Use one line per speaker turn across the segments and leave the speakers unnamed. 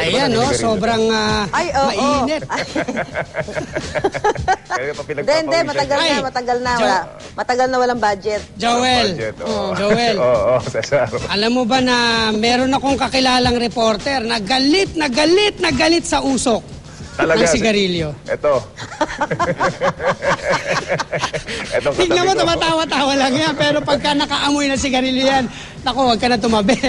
Ayan, no? Sobrang mainit.
Hindi, matagal na. Matagal na walang budget.
Joel. Joel.
Cesar.
Alam mo ba na meron akong kakilalang reporter na galit sa usok ng sigarilyo.
Ito.
Tignan mo, tumatawa-tawa lang yan. Pero pagka nakaamoy na sigarilyo yan, naku, huwag ka na tumabi.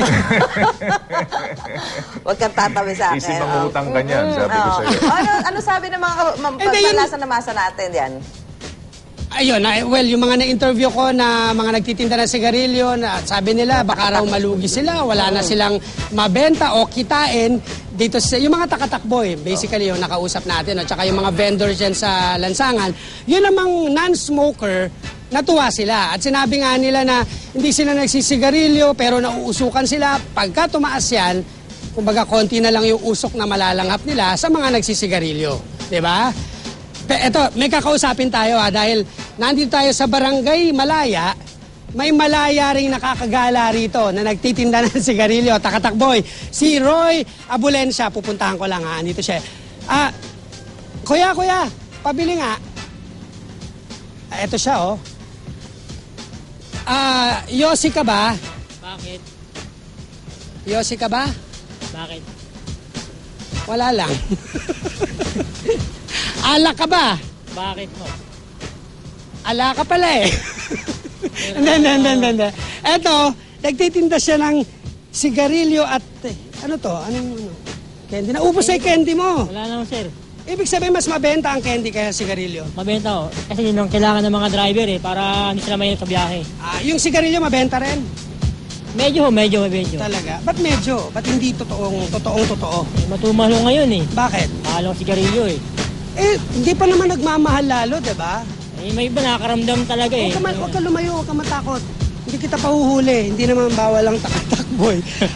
Huwag kang tatabi sa akin.
Isip mangutang ka niyan, sabi ko sa'yo.
Ano sabi ng mga pagpalasa na masa natin yan?
Ayun, well, yung mga na-interview ko na mga nagtitinda ng sigarilyo, sabi nila baka raw malugi sila, wala na silang mabenta o kitain dito sa yung mga takatakboy, basically yung nakausap natin, at saka yung mga vendors dyan sa lansangan, yun namang non-smoker, natuwa sila. At sinabi nga nila na hindi sila nagsisigarilyo pero nauusukan sila. Pagka tumaas yan, kumbaga konti na lang yung usok na malalanghap nila sa mga nagsisigarilyo. Diba? Eto, may kakausapin tayo dahil nandito tayo sa Barangay Malaya. May Malaya ring nakakagala rito na nagtitinda ng sigarilyo, takatakboy. Si Roy Abulencia, pupuntahan ko lang andito siya. Kuya, pabili nga. Eto siya, Yossi ka ba?
Bakit?
Yossi ka ba?
Bakit?
Wala lang. Alak ka ba?
Bakit mo?
Ala ka pala eh. Hindi. Eto, nagtitinda siya ng sigarilyo at ano to? Anong candy? Naubos na yung candy mo.
Wala naman, sir.
Ibig sabihin mas mabenta ang candy kaya sigarilyo.
Mabenta ko. Kasi yun ang kailangan ng mga driver para hindi sila mahirap sa biyahe.
Yung sigarilyo mabenta rin?
Medyo.
Talaga? Ba't medyo? Ba't hindi totoong totoo?
Matumalo ngayon eh.
Bakit?
Mahal ang sigarilyo eh.
Hindi pa naman nagmamahal lalo, diba?
May iba nakakaramdam talaga eh.
Huwag ka lumayo, huwag ka matakot. Hindi kita pahuhuli. Hindi naman bawal ang takboy.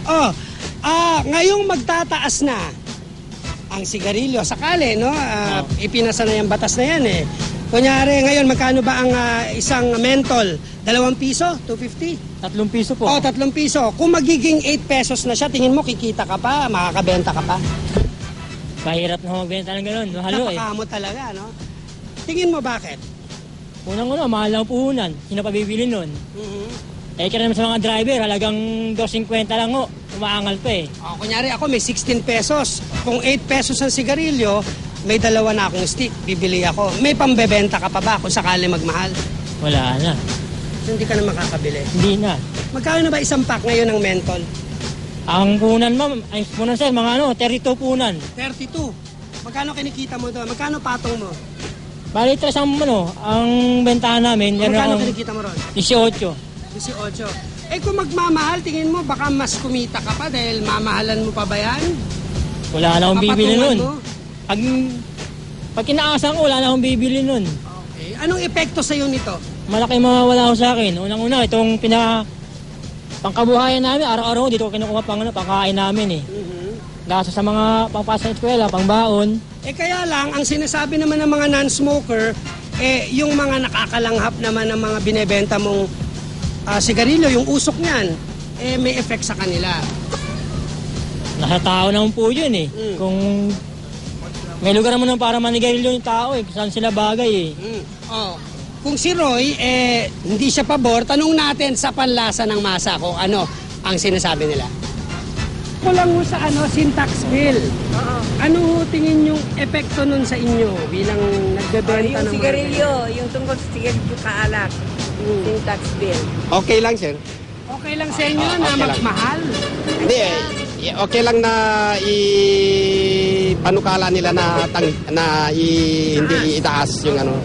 Ngayong magtataas na ang sigarilyo, sakali, no? Ipinasa na yung batas na yan eh. Kunyari, ngayon, magkano ba ang isang mentol? 2 piso? 250?
3 piso po.
3 piso. Kung magiging 8 pesos na siya, tingin mo, kikita ka pa, makakabenta ka pa?
Mahirap na magbenta ng ganun. Mahalo eh.
Napakamot talaga, no? Tingin mo bakit?
Unang-una, mahal ang puhunan. Sino pa bibili nun? Kaya naman sa mga driver, halagang 2.50 lang ho. Umaangal pa eh.
Kunyari ako, may 16 pesos. Kung 8 pesos ang sigarilyo, may 2 na akong stick. Bibili ako. May pambebenta ka pa ba kung sakali magmahal?
Wala na.
Hindi ka na makakabili?
Hindi na.
Magkano na ba isang pack ngayon ng mentol?
Ang punan, ma'am, ay punan sir, mga 32 punan.
32? Magkano kinikita mo doon? Magkano patong mo?
Bali, ang bentahan namin,
Magkano kinikita mo ron?
18.
18. Kung magmamahal, tingin mo baka mas kumita ka pa dahil mamahalan mo pa ba yan?
Wala na akong bibili nun.
Mo?
Pag kinaasan ko, wala na akong bibili nun.
Okay. Anong epekto sa'yo nito?
Malaki mawawala ko sa akin. Unang-una, itong pangkabuhayan namin, araw-araw dito kinukuha pangkain namin eh. Gaso sa mga pangpasa sa eskwela, pangbaon.
Kaya lang, ang sinasabi naman ng mga non-smoker, yung mga nakakalanghap naman ng mga binebenta mong sigarilyo, yung usok niyan, may effect sa kanila.
Nasa tao naman po yun eh. Kung may lugar naman para manigarilyo yung tao eh, saan sila bagay eh.
Kung si Roy, hindi siya pabor, tanong natin sa panlasa ng masa kung ano ang sinasabi nila. Kulang mo sa syntax bill. Ano ho tingin yung epekto nun sa inyo bilang nagbebenta ng
yung sigarilyo, yung tungkol sa sigarilyo kaalak, syntax bill.
Okay lang, sir.
Okay lang sa inyo na magmahal?
Hindi okay lang na panukala nila na hindi itaas yung ano.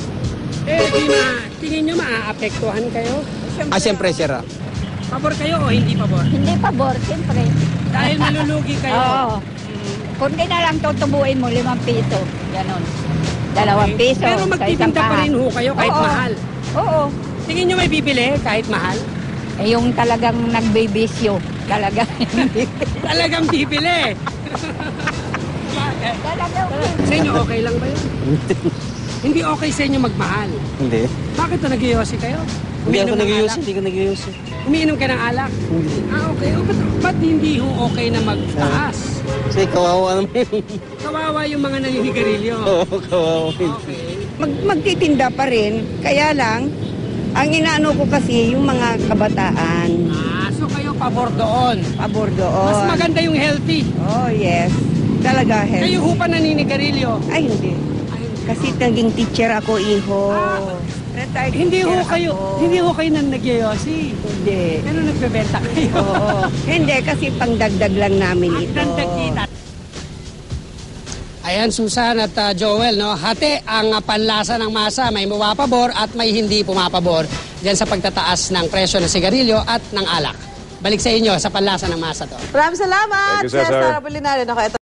Tingin nyo maaapektuhan kayo?
Siyempre, sir.
Pabor kayo o hindi pabor?
Hindi pabor, siyempre.
Dahil malulugi kayo?
Oo. Kundi na lang tutubuin mo 5 piso. Ganon. 2 piso.
Pero magtitinda pa rin ho kayo kahit mahal?
Oo.
Tingin nyo may bibili kahit mahal?
Yung talagang nagbibisyo. Talagang.
Talagang bibili.
Talagang.
Sa inyo okay lang ba yun? Hindi okay sa inyo magmahal?
Hindi.
Bakit nagyoyosi kayo?
Hindi ako nagyoyosi.
Umiinom ka ng alak?
Hindi.
Okay. Ba't hindi ho okay na magtaas?
Kasi kawawa naman.
Kawawa yung mga naninigarilyo.
Oo, kawawa.
Okay.
Magtitinda pa rin. Kaya lang, ang inaano ko kasi yung mga kabataan.
So kayo pabor doon.
Pabor doon.
Mas maganda yung healthy.
Oh, yes. Talaga, health.
Kayo ho pa naninigarilyo.
Ay, hindi. Kasi naging teacher ako, iho. Retired
Hindi ho
teacher
kayo,
ako.
hindi ho kayo nang nagyayosi.
Hindi.
Pero nagbebenta kayo.
Oo. Hindi, kasi pangdagdag lang namin ito.
Dagdag kita. Ayan, Susan at Joel, no? Hati ang panlasa ng masa. May pumapabor at may hindi pumapabor diyan sa pagtataas ng presyo ng sigarilyo at ng alak. Balik sa inyo sa panlasa ng masa to.
Maraming salamat,
Thank you, Cesar.
Cesar Apolinario. Okay, ito